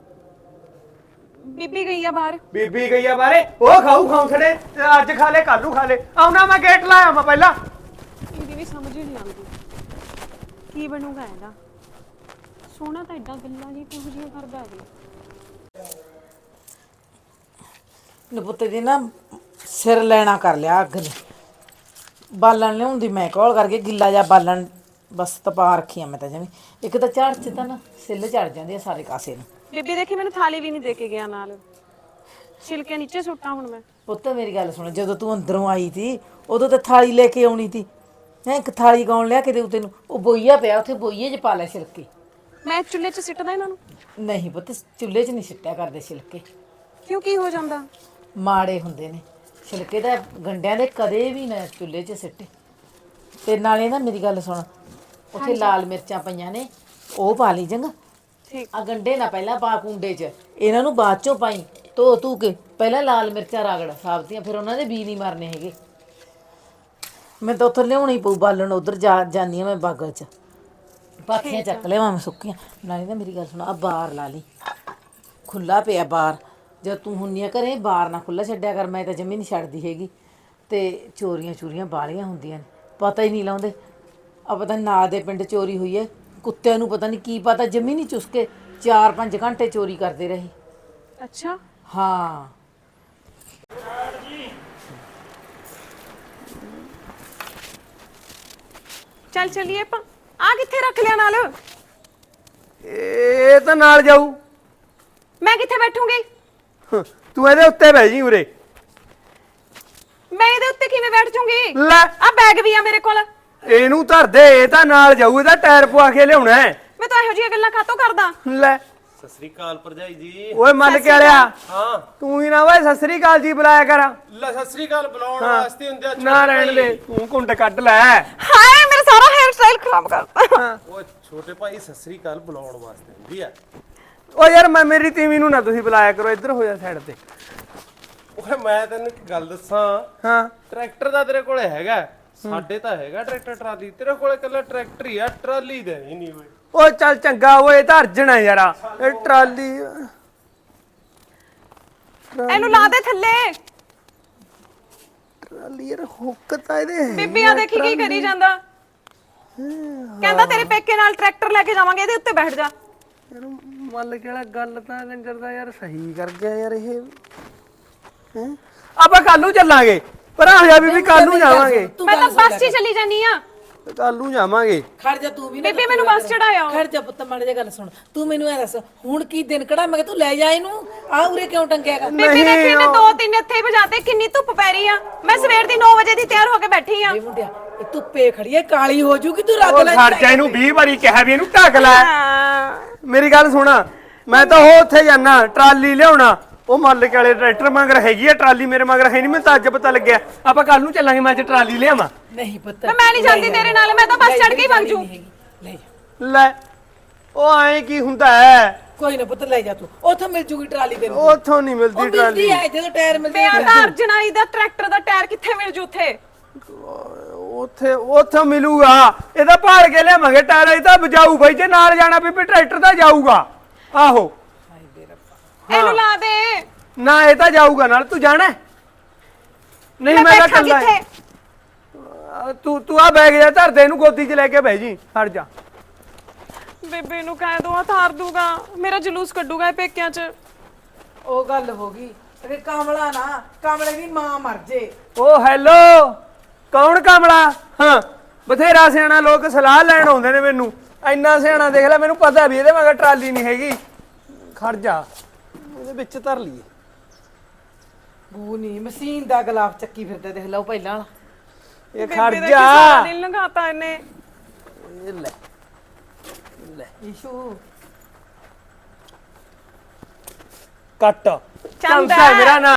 A: ਬੀਬੀ ਗਈ ਆ ਬਾਹਰ।
B: ਬੀਬੀ ਗਈ ਆ ਬਾਰੇ, ਉਹ ਖਾਊ ਖਾਉ ਛੜੇ, ਅੱਜ ਖਾ ਲੈ ਕੱਲ ਨੂੰ ਖਾ ਲੈ। ਆਉਣਾ ਮੈਂ ਗੇਟ ਲਾਇਆ ਮੈਂ ਪਹਿਲਾਂ।
A: ਇਹਦੀ ਵੀ ਸਮਝ ਹੀ ਨਹੀਂ ਆਉਂਦੀ ਕੀ ਬਣੂਗਾ ਇਹਦਾ। ਸੋਹਣਾ ਤਾਂ ਐਡਾ ਗੱਲਾਂ ਜੀ ਕਿਹੋ ਜਿਹੀਆਂ ਕਰਦਾ ਹੈ।
C: ਨਪੁੱਤੇ ਦੀ ਨਾ ਸਿਰ ਲੈਣਾ ਕਰ ਲਿਆ ਅੱਗ ਨੇ। ਬਾਲਣ ਲਿਆਉਂਦੀ ਮੈਂ ਕੋਲ ਕਰਕੇ, ਗਿੱਲਾ ਜਿਹਾ ਬਾਲਣ ਬਸ ਤਪਾ ਰੱਖੀਆਂ ਮੈਂ ਤਾਂ ਜਮੀ। ਇੱਕ ਤਾਂ ਝਾੜ 'ਚ ਤਾਂ ਨਾ ਸਿੱਲ ਚੜ ਜਾਂਦੀ ਆ ਸਾਰੇ ਕਾਸੇ ਨੂੰ।
A: ਬੀਬੀ ਦੇਖੀ ਮੈਨੂੰ ਥਾਲੀ ਵੀ ਨਹੀਂ ਦੇ ਕੇ ਗਿਆ ਨਾਲ, ਛਿਲਕੇ ਨੀਚੇ ਸੁੱਟਾਂ ਹੁਣ ਮੈਂ।
C: ਪੁੱਤ ਮੇਰੀ ਗੱਲ ਸੁਣ, ਜਦੋਂ ਤੂੰ ਅੰਦਰੋਂ ਆਈ ਸੀ ਉਦੋਂ ਤਾਂ ਥਾਲੀ ਲੈ ਕੇ ਆਉਣੀ ਸੀ। ਹੈਂ, ਇੱਕ ਥਾਲੀ ਕੌਣ ਲਿਆ ਕੇ ਦੇਊ ਤੈਨੂੰ? ਉਹ ਬੋਈਆ ਪਿਆ ਉੱਥੇ, ਬੋਈਏ 'ਚ ਪਾ ਲੈ ਛਿਲਕੇ।
A: ਮੈਂ ਚੁੱਲ੍ਹੇ 'ਚ ਸਿੱਟਦਾ ਇਹਨਾਂ ਨੂੰ?
C: ਨਹੀਂ ਪੁੱਤ, ਚੁੱਲ੍ਹੇ 'ਚ ਨਹੀਂ ਸਿੱਟਿਆ ਕਰਦੇ ਛਿਲਕੇ,
A: ਕਿਉਂ, ਕੀ ਹੋ ਜਾਂਦਾ?
C: ਮਾੜੇ ਹੁੰਦੇ ਨੇ ਛਿਲਕੇ ਤਾਂ ਗੰਡਿਆਂ ਦੇ। ਕਦੇ ਵੀ ਨਾ ਚੁੱਲ੍ਹੇ 'ਚ ਸਿੱਟੇ। ਤੇ ਨਾਲੇ ਨਾ ਮੇਰੀ ਗੱਲ ਸੁਣ, ਉੱਥੇ ਲਾਲ ਮਿਰਚਾਂ ਪਈਆਂ ਨੇ, ਉਹ ਪਾ ਲਈ ਚੰਗਾ।
A: ਠੀਕ
C: ਆ ਗੰਡੇ ਨਾ ਪਹਿਲਾਂ ਪਾ ਕੁੰਡੇ 'ਚ, ਇਹਨਾਂ ਨੂੰ ਬਾਅਦ 'ਚੋਂ ਪਾਈ ਧੋ ਧੂ ਕੇ। ਪਹਿਲਾਂ ਲਾਲ ਮਿਰਚਾਂ ਰਗੜ ਸਾਬਤੀਆਂ, ਫਿਰ ਉਹਨਾਂ ਦੇ ਬੀ ਨਹੀਂ ਮਰਨੇ ਹੈਗੇ। ਮੈਂ ਤਾਂ ਉੱਥੋਂ ਲਿਆਉਣੀ ਪਊ ਬਾਲਣ, ਉੱਧਰ ਜਾ ਜਾਂਦੀ ਹਾਂ ਮੈਂ ਬਾਗਲ 'ਚ। ਪਾਥੀਆਂ ਚੱਕ ਲਿਆਵਾਂ ਮੈਂ ਸੁੱਕੀਆਂ। ਨਾਲੇ ਨਾ ਮੇਰੀ ਗੱਲ ਸੁਣ, ਆ ਬਾਰ ਲਾ ਲਈ, ਖੁੱਲਾ ਪਿਆ ਬਾਰ। ਜਦ ਤੂੰ ਹੁੰਨੀ ਆ ਘਰੇ, ਬਾਰ ਨਾ ਖੁੱਲਾ ਛੱਡਿਆ ਕਰ, ਮੈਂ ਤਾਂ ਜਮੀ ਨਹੀਂ ਛੱਡਦੀ ਹੈਗੀ। ਤੇ ਚੋਰੀਆਂ ਚੋਰੀਆਂ ਬਾਲੀਆਂ ਹੁੰਦੀਆਂ ਨੇ, ਪਤਾ ਹੀ ਨਹੀਂ ਲਾਉਂਦੇ। ਆ ਪਤਾ ਨਾ ਦੇ ਪਿੰਡ ਚੋਰੀ ਹੋਈ ਹੈ, ਕੁੱਤਿਆਂ ਨੂੰ ਪਤਾ ਨਹੀਂ ਕੀ ਪਤਾ, ਜਮੀ ਨਹੀਂ ਚੁਸਕੇ ਚਾਰ ਪੰਜ ਘੰਟੇ ਚੋਰੀ ਕਰਦੇ ਰਹੇ।
A: ਅੱਛਾ,
C: ਹਾਂ।
A: ਚੱਲ ਚੱਲੀਏ ਆਪਾਂ। ਆ ਕਿੱਥੇ ਰੱਖ ਲਿਆ ਨਾਲ?
B: ਇਹ ਤਾਂ ਨਾਲ ਜਾਊ।
A: ਮੈਂ ਕਿੱਥੇ ਬੈਠੂੰਗੀ?
B: ਤੂੰ ਇਹਦੇ ਉੱਤੇ ਬਹਿ ਜੀ ਉਰੇ।
A: ਮੈਂ ਇਹਦੇ ਉੱਤੇ ਕਿਵੇਂ ਬੈਠ ਜੂੰਗੀ?
B: ਲੈ
A: ਆ ਬੈਗ ਵੀ ਆ ਮੇਰੇ ਕੋਲ।
B: ਇਹਨੂੰ ਧਰ ਦੇ, ਇਹ ਤਾਂ ਨਾਲ ਜਾਊ, ਇਹਦਾ ਟਾਇਰ ਪਵਾ ਕੇ ਲਿਆਉਣਾ ਹੈ।
A: ਮੈਂ ਤਾਂ ਇਹੋ ਜਿਹੀਆਂ ਗੱਲਾਂ ਕਾਤੋਂ ਕਰਦਾ?
B: ਲੈ
D: ਸਤਿ ਸ੍ਰੀ ਅਕਾਲ ਭਰਜਾਈ ਜੀ।
B: ਓਏ ਮੱਲ ਕੇ ਵਾਲਿਆ,
D: ਹਾਂ
B: ਤੂੰ ਹੀ ਨਾ ਓਏ ਸਤਿ ਸ੍ਰੀ ਅਕਾਲ ਜੀ ਬੁਲਾਇਆ ਕਰ।
D: ਲੈ ਸਤਿ ਸ੍ਰੀ ਅਕਾਲ ਬੁਲਾਉਣ ਵਾਸਤੇ ਹੁੰਦੇ ਆ।
B: ਨਾ ਰਹਿਣ ਦੇ, ਤੂੰ ਕੁੰਡ ਕੱਢ ਲੈ।
A: ਹਾਏ ਮੇਰਾ ਸਾਰਾ ਹੈਅਰ ਸਟਾਈਲ ਖਰਾਬ ਕਰਤਾ।
D: ਓਏ ਛੋਟੇ ਭਾਈ ਸਤਿ ਸ੍ਰੀ ਅਕਾਲ ਬੁਲਾਉਣ ਵਾਸਤੇ ਹੁੰਦੀ ਆ।
B: ਓ ਯਾਰ ਮੈਂ ਮੇਰੀ ਤੀਵੀਂ ਨੂੰ ਨਾ ਤੁਸੀਂ ਬੁਲਾਇਆ ਕਰੋ, ਇੱਧਰ ਹੋ ਜਾ ਸਾਈਡ ਤੇ।
D: ਓਏ ਮੈਂ ਤੈਨੂੰ ਇੱਕ ਗੱਲ ਦੱਸਾਂ,
B: ਹਾਂ
D: ਟਰੈਕਟਰ ਦਾ ਤੇਰੇ ਕੋਲੇ ਹੈਗਾ, ਸਾਡੇ ਤਾਂ ਹੈਗਾ ਟਰੈਕਟਰ ਟਰਾਲੀ, ਤੇਰੇ ਕੋਲੇ ਕੱਲਾ ਟਰੈਕਟਰ ਹੀ ਆ, ਟਰਾਲੀ ਦੇ ਹੀ ਨਹੀਂ ਓਏ।
B: ਓ ਚੱਲ ਚੰਗਾ ਓਏ, ਇਹ ਤਾਂ ਅਰਜਨ ਹੈ ਯਾਰਾ, ਇਹ ਟਰਾਲੀ।
A: ਇਹਨੂੰ ਲਾ ਦੇ ਥੱਲੇ।
B: ਟਰਾਲੀ ਯਾਰ ਹੁੱਕ ਤਾਂ ਇਹਦੇ ਹੈ।
A: ਬੀਬੀ ਆ ਦੇਖੀ ਕੀ ਕਰੀ ਜਾਂਦਾ। ਕਹਿੰਦਾ ਤੇਰੇ ਪੇਕੇ ਨਾਲ ਟਰੈਕਟਰ ਲੈ ਕੇ ਜਾਵਾਂਗੇ, ਇਹਦੇ ਉੱਤੇ ਬੈਠ ਜਾ।
B: ਯਾਰ ਮੱਲ ਕਿਹੜਾ ਗੱਲ ਤਾਂ ਕੰਜਰ ਦਾ ਯਾਰ ਸਹੀ ਕਰ ਗਿਆ ਯਾਰ ਇਹ। ਹੈ ਆਪਾਂ ਕੱਲ ਨੂੰ ਚੱਲਾਂਗੇ, ਪਰ ਆ ਜਾ ਬੀਬੀ, ਕੱਲ ਨੂੰ ਜਾਵਾਂਗੇ।
A: ਮੈਂ ਤਾਂ ਬੱਸ 'ਚ ਹੀ ਚਲੀ ਜਾਨੀ ਆ।
B: ਕੱਲ ਨੂੰ ਜਾਵਾਂਗੇ।
C: ਖੜ ਜਾ ਤੂੰ ਵੀ ਨਾ।
A: ਬੀਬੀ ਮੈਨੂੰ ਬੱਸ ਚੜਾਇਆ।
C: ਖੜ ਜਾ ਪੁੱਤ, ਮਾੜੀ ਜਿਹੀ ਗੱਲ ਸੁਣ। ਤੂੰ ਮੈਨੂੰ ਐ ਦੱਸ, ਹੁਣ ਕੀ ਦਿਨ ਕੜਾ ਮੈਂ ਕਿ ਤੂੰ ਲੈ ਜਾ ਇਹਨੂੰ, ਆ ਉਰੇ ਕਿਉਂ ਟੰਗਿਆਗਾ?
A: ਬੀਬੀ ਦੇਖੀ ਮੈਂ ਦੋ ਤਿੰਨ ਇੱਥੇ ਹੀ ਵਜਾਤੇ, ਕਿੰਨੀ ਧੁੱਪ ਪੈ ਰਹੀ ਆ। ਮੈਂ ਸਵੇਰ ਦੀ ਨੌ ਵਜੇ ਦੀ ਤਿਆਰ ਹੋ ਕੇ ਬੈਠੀ ਆ।
C: ਇਹ ਮੁੰਡਿਆ, ਇਹ ਧੁੱਪੇ ਖੜੀ ਐ, ਕਾਲੀ ਹੋ ਜੂਗੀ, ਤੂੰ ਰੱਗ
B: ਉਹ
C: ਲੈ।
B: ਖੜ ਜਾ, ਇਹਨੂੰ ਵੀਹ ਵਾਰੀ ਕਿਹਾ ਵੀ ਇਹਨੂੰ ਢੱਕ ਲੈ।
A: ਹਾਂ।
B: ਮੇਰੀ ਗੱਲ ਸੁਣ, ਮੈਂ ਤਾਂ ਉਹ ਉੱਥੇ ਜਾਣਾ ਟਰਾਲੀ ਲਿਆਉਣਾ। ਉਹ ਮੱਲ ਕੇ ਵਾਲੇ ਟਰੈਕਟਰ ਮਗਰ ਹੈਗੀ ਆ ਟਰਾਲੀ, ਮੇਰੇ ਮਗਰ ਹੈ ਨਹੀਂ, ਮੈਨੂੰ ਤਾਂ ਅੱਜ ਪਤਾ ਲੱਗਿਆ। ਆਪਾਂ ਕੱਲ ਨੂੰ ਚੱਲਾਂਗੇ, ਮੈਂ ਅੱਜ ਟਰਾਲੀ ਲਿਆਵਾਂ।
C: ਨਹੀਂ ਪੁੱਤ,
A: ਮੈਂ ਨਹੀਂ ਜਾਂਦੀ ਤੇਰੇ ਨਾਲ, ਮੈਂ ਤਾਂ ਬੱਸ ਚੜ ਕੇ ਹੀ ਵਗ ਜੂ।
C: ਲੈ ਜਾ,
B: ਲੈ ਉਹ ਐ ਕੀ ਹੁੰਦਾ ਹੈ?
C: ਕੋਈ ਨਾ ਪੁੱਤ ਲੈ ਜਾ ਤੂੰ, ਉੱਥੋਂ ਮਿਲ ਜੂਗੀ ਟਰਾਲੀ ਤੈਨੂੰ।
B: ਉੱਥੋਂ ਨਹੀਂ ਮਿਲਦੀ
C: ਉਹ
B: ਟਰਾਲੀ।
C: ਮਿਲਦੀ ਐ ਜਦੋਂ ਟਾਇਰ ਮਿਲਦੇ
A: ਮੈਂ ਤਾਂ ਅਰਜਨਾਈ ਦਾ ਟਰੈਕਟਰ ਦਾ ਟਾਇਰ ਕਿੱਥੇ ਮਿਲ ਜੂ ਉੱਥੇ?
B: ਉੱਥੇ ਉੱਥੇ ਮਿਲੂਗਾ, ਇਹਦਾ ਭਾਲ ਕੇ ਲਿਆਵਾਂਗੇ ਟਾਇਰ। ਇਹ ਤਾਂ ਬਜਾਊ ਬਾਈ, ਜੇ ਨਾਲ ਜਾਣਾ ਬੀਬੀ ਟਰੈਕਟਰ ਤਾਂ ਜਾਊਗਾ। ਆਹੋ
A: ਇਹਨੂੰ ਲਾ ਦੇ।
B: ਨਾ ਇਹ ਤਾਂ ਜਾਊਗਾ ਨਾਲ, ਤੂੰ ਜਾਣਾ ਹੈ? ਨਹੀਂ
A: ਮੈਂ
B: ਮੈਂ ਤਾਂ
A: ਬੈਠਾ
B: ਕੱਲਾ
A: ਕਿੱਥੇ?
B: ਤੂੰ ਤੂੰ ਆ ਬੈਗ ਜਾ ਧਰ ਦੇ, ਇਹਨੂੰ ਗੋਦੀ 'ਚ ਲੈ ਕੇ ਬਹਿ ਜੀ। ਹਟ ਜਾ।
A: ਬੇਬੇ ਨੂੰ ਕਹਿ ਦੋ ਥਾਰ ਦੂਗਾ, ਮੇਰਾ ਜਲੂਸ ਕੱਢੂਗਾ ਇਹ ਪੇਕਿਆਂ 'ਚ।
C: ਉਹ ਗੱਲ ਹੋ ਗਈ ਤੇ ਕਾਮਲਾ ਨਾ, ਕਾਮਲੇ ਦੀ ਮਾਂ ਮਰ ਜੇ।
B: ਓ ਹੈਲੋ, ਕੌਣ ਕਾਮਲਾ? ਹਾਂ ਬਥੇਰਾ ਸਿਆਣਾ, ਲੋਕ ਸਲਾਹ ਲੈਣ ਆਉਂਦੇ ਨੇ ਮੈਨੂੰ। ਇੰਨਾ ਸਿਆਣਾ ਦੇਖ ਲੈ, ਮੈਨੂੰ ਪਤਾ ਵੀ ਇਹਦੇ ਮਗਰ ਟਰਾਲੀ ਨਹੀਂ ਹੈਗੀ। ਖੜ ਜਾ, ਇਹਦੇ ਵਿੱਚ ਧਰ ਲਈਏ।
C: ਗੂ ਨਹੀਂ, ਮਸ਼ੀਨ ਦਾ ਗਲਾਫ ਚੱਕੀ ਫਿਰਦਾ, ਦੇਖ ਲਓ ਪਹਿਲਾਂ ਵਾਲਾ।
B: ਇਹ
A: ਬੇਬੇ
B: ਖੜ
A: ਦਾ
B: ਜਾ।
A: ਸਾਰਾ ਦਿਨ ਲੰਘਾਤਾ ਇਹਨੇ।
B: ਇਹ ਲੈ ਲੈ
C: ਈਸ਼ੂ
B: ਕੱਟ।
A: ਚੰਦਾ
B: ਹੈ ਮੇਰਾ ਨਾਮ।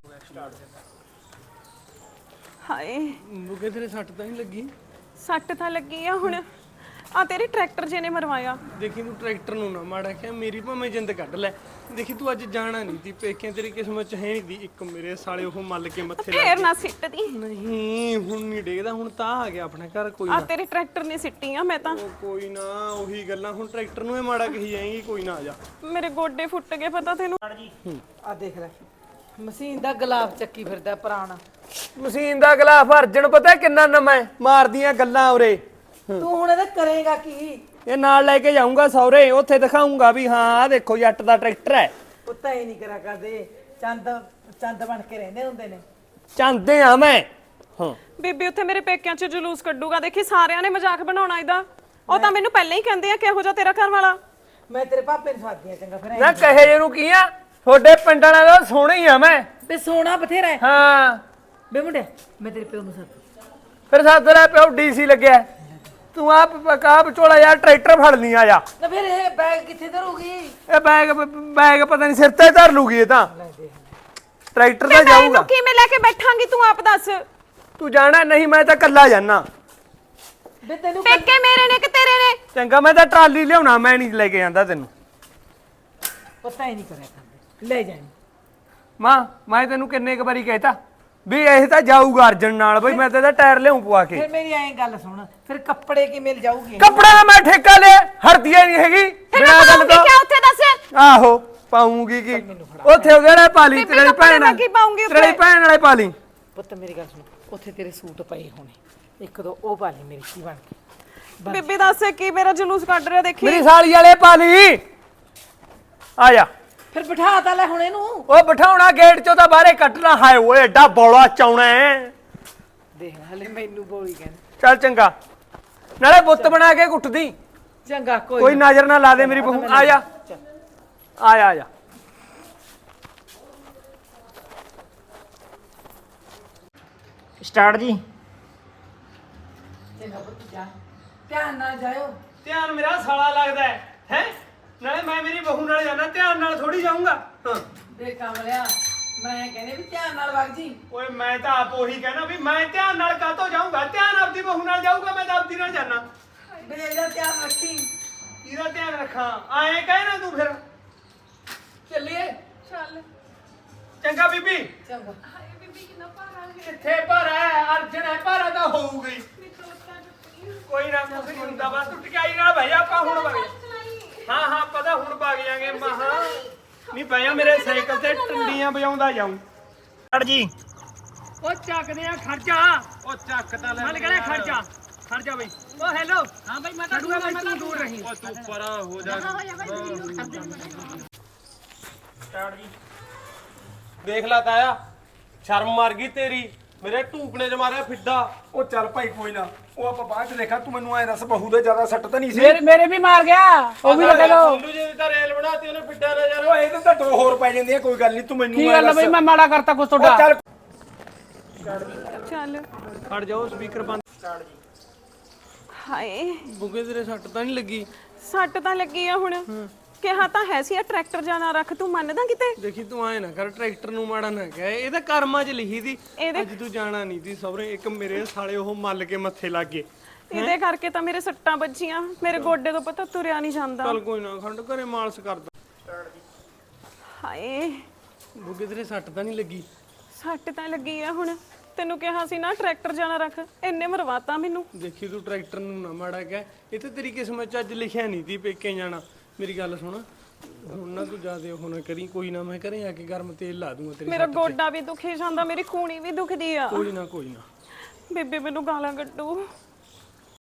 A: ਹਾਏ
B: ਮੁਕੇ ਤੇਰੇ ਸੱਟ ਤਾਂ ਨਹੀਂ ਲੱਗੀ?
A: ਸੱਟ ਤਾਂ ਲੱਗੀ ਆ ਹੁਣ। ਆ ਤੇਰੇ ਟਰੈਕਟਰ ਜੇ ਨੇ ਮਰਵਾਇਆ।
B: ਦੇਖੀ ਤੂੰ ਟਰੈਕਟਰ ਨੂੰ ਨਾ ਮਾੜਾ ਕਿਹਾ, ਮੇਰੀ ਭਾਵੇਂ ਜਿੰਦ ਕੱਢ ਲੈ। ਦੇਖੀ ਤੂੰ ਅੱਜ ਜਾਣਾ ਨਹੀਂ ਤੀ ਪੇਕਿਆਂ, ਤੇਰੀ ਕਿਸਮਤ 'ਚ ਹੈ ਨਹੀਂ ਦੀ। ਇੱਕ ਮੇਰੇ ਸਾਲੇ ਉਹ ਮੱਲ ਕੇ ਮੱਥੇ ਲੱਗ
A: ਫੇਰ ਨਾ ਸਿੱਟਦੀ।
B: ਨਹੀਂ ਹੁਣ ਨਹੀਂ ਡੇਗਦਾ, ਹੁਣ ਤਾਂ ਆ ਗਿਆ ਆਪਣੇ ਘਰ। ਕੋਈ
A: ਆ
B: ਨਾ
A: ਤੇਰੇ ਟਰੈਕਟਰ ਨੇ ਸਿੱਟੀ ਆ ਮੈਂ ਤਾਂ।
B: ਉਹ ਕੋਈ ਨਾ, ਉਹੀ ਗੱਲਾਂ ਹੁਣ ਟਰੈਕਟਰ ਨੂੰ ਇਹ ਮਾੜਾ ਕਹੀ ਜਾਏਗੀ। ਕੋਈ ਨਾ, ਆ ਜਾ।
A: ਮੇਰੇ ਗੋਡੇ ਫੁੱਟ ਗਏ ਪਤਾ ਤੈਨੂੰ?
C: ਆ ਦੇਖ ਲੈ, ਮਸ਼ੀਨ ਦਾ ਗਲਾਫ ਚੱਕੀ ਫਿਰਦਾ ਪੁਰਾਣਾ।
B: ਮਸ਼ੀਨ ਦਾ ਗਲਾਫ ਅਰਜਨ ਪਤਾ ਕਿੰਨਾ ਨਵਾਂ ਹੈ? ਮਾਰਦੀਆਂ ਗੱਲਾਂ ਉਰੇ।
C: ਤੂੰ ਹੁਣ ਇਹਦਾ ਕਰੇਗਾ ਕੀ?
B: ਇਹ ਨਾਲ ਲੈ ਕੇ ਜਾਊਂਗਾ ਸੌਰੇ, ਉੱਥੇ ਦਿਖਾਊਂਗਾ ਵੀ ਹਾਂ ਆ ਦੇਖੋ ਜੱਟ ਦਾ ਟਰੈਕਟਰ ਹੈ।
C: ਪੁੱਤਾ ਹੀ ਨਹੀਂ ਕਰਾ ਕਰਦੇ, ਚੰਦ ਚੰਦ ਬਣ ਕੇ ਰਹਿੰਦੇ ਹੁੰਦੇ ਨੇ।
B: ਚਾਹੁੰਦੇ ਆ ਮੈਂ। ਹਾਂ
A: ਬੀਬੀ ਉੱਥੇ ਮੇਰੇ ਪੇਕਿਆਂ 'ਚ ਜਲੂਸ ਕੱਢੂਗਾ, ਦੇਖੀ ਸਾਰਿਆਂ ਨੇ ਮਜ਼ਾਕ ਬਣਾਉਣਾ ਇਹਦਾ। ਉਹ ਤਾਂ ਮੈਨੂੰ ਪਹਿਲਾਂ ਹੀ ਕਹਿੰਦੇ ਆ ਕਿਹੋ ਜਿਹਾ ਤੇਰਾ ਘਰ ਵਾਲਾ।
C: ਮੈਂ ਤੇਰੇ ਪਾਪੇ ਨੂੰ ਸਵਾਦੀ ਆ ਚੰਗਾ ਫਿਰ।
B: ਨਾ ਕਹੇ ਜਿਹਨੂੰ ਕੀ ਆ, ਤੁਹਾਡੇ ਪਿੰਡ ਵਾਲਿਆਂ ਦਾ ਸੋਹਣਾ ਹੀ ਆ ਮੈਂ।
C: ਬੇ ਸੋਨਾ ਬਥੇਰਾ ਹੈ।
B: ਹਾਂ
C: ਬੇ ਮੁੰਡਿਆ, ਮੈਂ ਤੇਰੇ ਪਿਓ ਨੂੰ ਸੱਦ।
B: ਫਿਰ ਸੱਦ ਲੈ, ਪਿਓ ਡੀਸੀ ਲੱਗਿਆ। ਤੂੰ ਆਪ ਕਾ ਵਿਚੋਲਾ ਯਾਰ ਟਰੈਕਟਰ ਫੜ ਲਈ, ਆ ਜਾ।
C: ਨਾ ਫਿਰ ਇਹ ਬੈਗ ਕਿੱਥੇ ਧਰੂਗੀ?
B: ਇਹ ਬੈਗ ਬੈਗ ਪਤਾ ਨਹੀਂ ਸਿਰ ਤੇ ਧਰ ਲੂਗੀ ਇਹ ਤਾਂ। ਟਰੈਕਟਰ ਤਾਂ
A: ਮੈਂ
B: ਜਾਊਗਾ।
A: ਇਹਨੂੰ ਕਿਵੇਂ ਲੈ ਕੇ ਬੈਠਾਂਗੀ ਤੂੰ ਆਪ ਦੱਸ।
B: ਤੂੰ ਜਾਣਾ ਨਹੀਂ, ਮੈਂ ਤਾਂ ਕੱਲਾ ਜਾਣਾ।
C: ਬੇ ਤੈਨੂੰ
A: ਪੇਕੇ ਮੇਰੇ ਨੇ ਕਿ ਤੇਰੇ ਨੇ?
B: ਚੰਗਾ ਮੈਂ ਤਾਂ ਟਰਾਲੀ ਲਿਆਉਣਾ, ਮੈਂ ਨਹੀਂ ਲੈ ਕੇ ਜਾਂਦਾ ਤੈਨੂੰ।
C: ਪਤਾ ਹੀ ਨਹੀਂ ਕਰਿਆ ਕਰਦੇ, ਲੈ ਜਾਈਂ।
B: ਮਾਂ ਮੈਂ ਤੈਨੂੰ ਕਿੰਨੇ ਕੁ ਵਾਰੀ ਕਹਿਤਾ ਵੀ ਇਹ ਤਾਂ ਜਾਊਗਾ ਅਰਜਨ ਨਾਲ, ਬਈ ਮੈਂ ਤਾਂ ਇਹਦਾ ਟਾਇਰ ਲਿਆਉਂ ਪਵਾ ਕੇ।
C: ਫਿਰ ਮੇਰੀ ਐਂ ਗੱਲ ਸੁਣ, ਫਿਰ ਕੱਪੜੇ ਕੀ ਮਿਲ ਜਾਊਗੀ?
B: ਕੱਪੜਾ ਦਾ ਮੈਂ ਠੇਕਾ ਲਿਆ, ਹਰਦੀਆ ਨਹੀਂ ਹੈਗੀ ਬਿਨਾਂ ਗੱਲ ਤੋਂ।
A: ਕਿਆ ਉੱਥੇ ਦੱਸ?
B: ਆਹੋ ਪਾਉਂਗੀ ਕੀ ਉੱਥੇ ਉਹਦੇ ਨਾਲ ਪਾ ਲਈ,
A: ਬੀਬੀ
B: ਤੇਰੀ
A: ਕੱਪੜੇ
B: ਭੈਣ
A: ਮੈਂ ਕੀ ਪਾਊਂਗੀ ਉੱਥੇ?
B: ਤੇਰੀ ਭੈਣ ਵਾਲੇ ਪਾ ਲਈ।
C: ਪੁੱਤ ਮੇਰੀ ਗੱਲ ਸੁਣ, ਉੱਥੇ ਤੇਰੇ ਸੂਟ ਪਏ ਹੋਣੇ, ਇੱਕ ਦੋ ਉਹ ਪਾ ਲਈ ਮੇਰੀ ਕੀ ਬਣ ਕੇ।
A: ਬੀਬੀ ਦੱਸ ਕੀ ਮੇਰਾ ਜਲੂਸ ਕੱਢ ਰਿਹਾ ਦੇਖੀ।
B: ਮੇਰੀ ਸਾਲੀ ਵਾਲੇ ਪਾ ਲਈ। ਆ ਜਾ।
C: ਫਿਰ ਬਿਠਾ ਤਾ ਲੈ ਹੁਣ ਇਹਨੂੰ।
B: ਉਹ ਬਿਠਾਉਣਾ ਗੇਟ ਚੋਂ ਤਾਂ ਬਾਹਰੇ ਕੱਟਣਾ। ਹਾਏ ਓਏ ਐਡਾ ਬੋਲਾ ਚਾਉਣਾ ਹੈ।
C: ਦੇਖ ਹਲੇ ਮੈਨੂੰ ਬੋਲੀ ਕਹਿੰਦੇ।
B: ਚੱਲ ਚੰਗਾ, ਨਾਲੇ ਬੁੱਤ ਬਣਾ ਕੇ ਕੁੱਟਦੀ।
C: ਚੰਗਾ ਕੋਈ
B: ਕੋਈ ਨਜ਼ਰ ਨਾ ਲਾ ਦੇ ਮੇਰੀ ਬਹੂ। ਆ ਜਾ ਆ ਜਾ ਆ ਜਾ।
E: ਸਟਾਰਟ ਜੀ।
C: ਧਿਆਨ ਨਾਲ ਜਾਇਓ।
B: ਧਿਆਨ ਮੇਰਾ ਸਾਲਾ ਲੱਗਦਾ ਹੈ ਹੈ ਨਾਲੇ ਮੈਂ ਮੇਰੀ ਬਹੂ ਨਾਲ ਜਾਣਾ, ਧਿਆਨ ਨਾਲ ਥੋੜੀ ਜਾਊਂਗਾ। ਹਾਂ
C: ਦੇ ਕਮਲਿਆ ਮੈਂ ਕਹਿੰਦੇ ਵੀ ਧਿਆਨ ਨਾਲ ਵਗ ਜੀ।
B: ਓਏ ਮੈਂ ਤਾਂ ਆਪ ਉਹੀ ਕਹਿਣਾ ਵੀ ਮੈਂ ਧਿਆਨ ਨਾਲ ਕਾਹਤੋਂ ਜਾਊਂਗਾ, ਧਿਆਨ ਆਪਦੀ ਬਹੂ ਨਾਲ ਜਾਊਗਾ, ਮੈਂ ਤਾਂ ਆਪਦੀ ਨਾਲ ਜਾਣਾ।
C: ਬੇ ਦਾ ਧਿਆਨ ਰੱਖੀ।
B: ਇਹਦਾ ਧਿਆਨ ਰੱਖਾਂ ਐਂ ਕਹਿਣਾ ਤੂੰ ਫਿਰ।
C: ਚੱਲੀਏ।
A: ਚੱਲ।
B: ਚੰਗਾ ਬੀਬੀ।
C: ਚੰਗਾ।
A: ਹਾਏ ਬੀਬੀ ਕਿੰਨਾ ਭਾਰਾ ਹੈ।
B: ਕਿੱਥੇ ਭਾਰਾ ਹੈ, ਅਰਜਨ ਹੈ, ਭਾਰਾ ਤਾਂ ਹੋਊਗਾ ਹੀ।
A: ਮੇਰੀ ਤਾਂ ਲੱਤਾਂ ਟੁੱਟੀਆਂ।
B: ਕੋਈ ਨਾ ਕੁਝ ਨਹੀਂ ਹੁੰਦਾ, ਬਸ ਤੂੰ ਟਿਕਾਈ ਨਾਲ ਬਹਿ ਜਾ, ਆਪਾਂ ਹੁਣ ਵਗ ਹਾਂ ਹਾਂ ਪਤਾ ਹੁਣ ਵਗ ਜਾਾਂਗੇ। ਮਹਾ ਨਹੀਂ ਪਿਆ ਮੇਰੇ ਸਾਈਕਲ ਤੇ ਟੰਡੀਆਂ ਵਜਾਉਂਦਾ ਜਾਊਂ।
E: ਸਟਾਰਟ ਜੀ।
B: ਉਹ ਚੱਕਦੇ ਆ ਖਰਚਾ। ਉਹ ਚੱਕ ਤਾਂ ਲੈ, ਮੈਂ ਕਹਿੰਦਾ ਖਰਚਾ ਖਰਚਾ ਬਈ। ਉਹ ਹੈਲੋ ਹਾਂ ਬਈ ਮੈਂ ਤਾਂ ਦੂਰ ਮੈਂ ਤੂੰ ਦੂਰ ਰਹੀ।
D: ਓ ਤੂੰ ਪਰਾਂ ਹੋ ਜਾ।
B: ਸਟਾਰਟ ਜੀ।
D: ਦੇਖ ਲਾ ਤਾਇਆ, ਸ਼ਰਮ ਮਰ ਗਈ ਤੇਰੀ, ਮੇਰੇ ਢੂਕਣੇ 'ਚ ਮਾਰਿਆ ਫਿੱਡਾ।
F: ਉਹ ਚੱਲ ਭਾਈ ਕੋਈ ਨਾ, ਉਹ ਆਪਾਂ ਬਾਅਦ ਚ ਦੇਖਾਂ। ਤੂੰ ਮੈਨੂੰ ਐ ਦੱਸ ਬਹੂ ਦੇ ਜ਼ਿਆਦਾ ਸੱਟ ਤਾਂ ਨਹੀਂ ਸੀ?
G: ਮੇਰੇ ਮੇਰੇ ਵੀ ਮਾਰ ਗਿਆ ਉਹ ਵੀ ਲੱਗਾ ਲੋ।
D: ਸੋਲੂ ਜੀ ਦੀ ਤਾਂ ਰੇਲ ਬਣਾਤੀ ਉਹਨੇ ਫਿੱਡਾ ਨਾ ਯਾਰ।
F: ਉਹ ਇਹਦੇ ਤਾਂ ਦੋ ਹੋਰ ਪੈ ਜਾਂਦੀਆਂ, ਕੋਈ ਗੱਲ ਨਹੀਂ। ਤੂੰ ਮੈਨੂੰ
G: ਕੀ
F: ਐਂ
G: ਗੱਲ ਆ
F: ਦੱਸ।
G: ਬਈ, ਮੈਂ ਮਾੜਾ ਕਰਤਾ ਕੁਛ
F: ਉਹ
G: ਤੁਹਾਡਾ?
F: ਚੱਲ
A: ਚੱਲ।
B: ਖੜ ਜਾਓ, ਸਪੀਕਰ ਬੰਦ।
A: ਹਾਏ
B: ਬੁੱਗੇ ਤੇਰੇ ਸੱਟ ਤਾਂ ਨਹੀਂ ਲੱਗੀ?
A: ਸੱਟ ਤਾਂ ਲੱਗੀ ਆ ਹੁਣ। ਕਿਹਾ ਤਾਂ ਹੈ ਸੀ ਆ ਟਰੈਕਟਰ ਜਾਣਾ ਰੱਖ, ਤੂੰ ਮੰਨਦਾ ਕਿਤੇ?
B: ਦੇਖੀ ਤੂੰ ਐ ਨਾ ਕਰ, ਟਰੈਕਟਰ ਨੂੰ ਮਾੜਾ ਨਾ ਕਹਿ, ਇਹ ਤਾਂ ਕਰਮਾਂ 'ਚ ਲਿਖੀ ਦੀ।
A: ਇਹਦੇ
B: ਅੱਜ ਤੂੰ ਜਾਣਾ ਨਹੀਂ ਸੀ ਸਹੁਰੇ, ਇੱਕ ਮੇਰੇ ਸਾਲੇ ਉਹ ਮੱਲ ਕੇ ਮੱਥੇ ਲੱਗ ਗਏ।
A: ਇਹਦੇ ਕਰਕੇ ਤਾਂ ਮੇਰੇ ਸੱਟਾਂ ਵੱਜੀਆਂ, ਮੇਰੇ ਗੋਡੇ ਤੋਂ ਪਤਾ ਤੁਰਿਆ ਨਹੀਂ ਜਾਂਦਾ।
B: ਚੱਲ ਕੋਈ ਨਾ, ਖੰਡ ਘਰੇ ਮਾਲਸ਼ ਕਰਦਾ।
A: ਹਾਏ
B: ਬੁੱਗੇ ਤੇਰੇ ਸੱਟ ਤਾਂ ਨਹੀਂ ਲੱਗੀ?
A: ਸੱਟ ਤਾਂ ਲੱਗੀ ਆ ਹੁਣ। ਤੈਨੂੰ ਕਿਹਾ ਸੀ ਨਾ ਟਰੈਕਟਰ ਜਾਣਾ ਰੱਖ, ਇੰਨੇ ਮਰਵਾਤਾ ਮੈਨੂੰ।
B: ਦੇਖੀ ਤੂੰ ਟਰੈਕਟਰ ਨੂੰ ਨਾ ਮਾੜਾ ਕਹਿ, ਇਹ ਤੇ ਤੇਰੀ ਕਿਸਮਤ 'ਚ ਅੱਜ ਲਿਖਿਆ ਨਹੀਂ ਸੀ ਪੇਕੇ ਜਾਣਾ। ਮੇਰੀ ਗੱਲ ਸੁਣ, ਹੁਣ ਨਾ ਤੂੰ ਜ਼ਿਆਦੇ ਉਹ ਨਾ ਕਰੀ, ਕੋਈ ਨਾ ਮੈਂ ਘਰੇ ਆ ਕੇ ਗਰਮ ਤੇਲ ਲਾ ਦੂੰਗਾ ਤੇਰੇ।
A: ਮੇਰਾ ਗੋਡਾ ਵੀ ਦੁਖੀ ਜਾਂਦਾ, ਮੇਰੀ ਖੂਣੀ ਵੀ ਦੁਖਦੀ ਆ।
B: ਕੋਈ ਨਾ ਕੋਈ ਨਾ।
A: ਬੇਬੇ ਮੈਨੂੰ ਗਾਲਾਂ ਕੱਢੂ।